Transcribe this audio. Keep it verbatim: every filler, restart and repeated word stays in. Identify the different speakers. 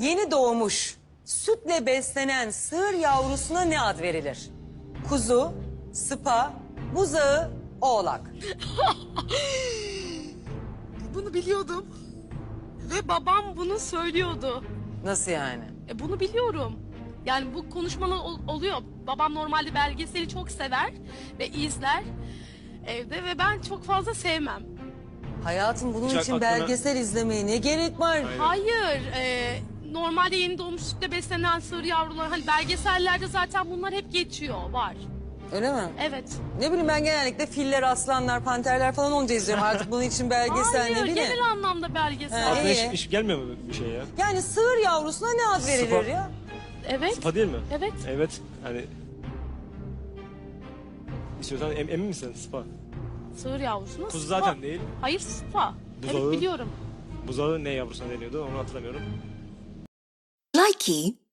Speaker 1: Yeni doğmuş, sütle beslenen sığır yavrusuna ne ad verilir? Kuzu, sıpa, buzağı, oğlak.
Speaker 2: Bunu biliyordum. Ve babam bunu söylüyordu.
Speaker 1: Nasıl yani?
Speaker 2: E, bunu biliyorum. Yani bu konuşmalar ol- oluyor. Babam normalde belgeseli çok sever ve izler evde ve ben çok fazla sevmem.
Speaker 1: Hayatım bunun
Speaker 3: Hiç
Speaker 1: için
Speaker 3: aklına-
Speaker 1: belgesel izlemeye ne gerek var?
Speaker 2: Hayır, e, normalde yeni doğmuş sütle beslenen sığır yavruları, hani belgesellerde zaten bunlar hep geçiyor, var.
Speaker 1: Öyle mi?
Speaker 2: Evet.
Speaker 1: Ne bileyim ben genellikle filler, aslanlar, panterler falan olunca izliyorum. Artık bunun için belgesel
Speaker 2: Hayır,
Speaker 1: ne bileyim.
Speaker 2: genel anlamda belgesel.
Speaker 1: Ha,
Speaker 3: Aklına
Speaker 1: iyi.
Speaker 3: hiç, hiç gelmiyor mu bir şey ya?
Speaker 1: Yani sığır yavrusuna ne ad verilir
Speaker 3: Sıpa.
Speaker 1: ya?
Speaker 2: Evet.
Speaker 3: Sıfa değil mi?
Speaker 2: Evet.
Speaker 3: Evet. Hani... İstiyorsan em, emin misin Sıfa?
Speaker 2: Sığır yavrusuna
Speaker 3: Kuzu
Speaker 2: sıpa.
Speaker 3: zaten değil.
Speaker 2: Hayır, sıpa.
Speaker 3: Buzağı.
Speaker 2: Evet, biliyorum.
Speaker 3: Buzağı ne yavrusuna deniyordu onu hatırlamıyorum.
Speaker 4: Likey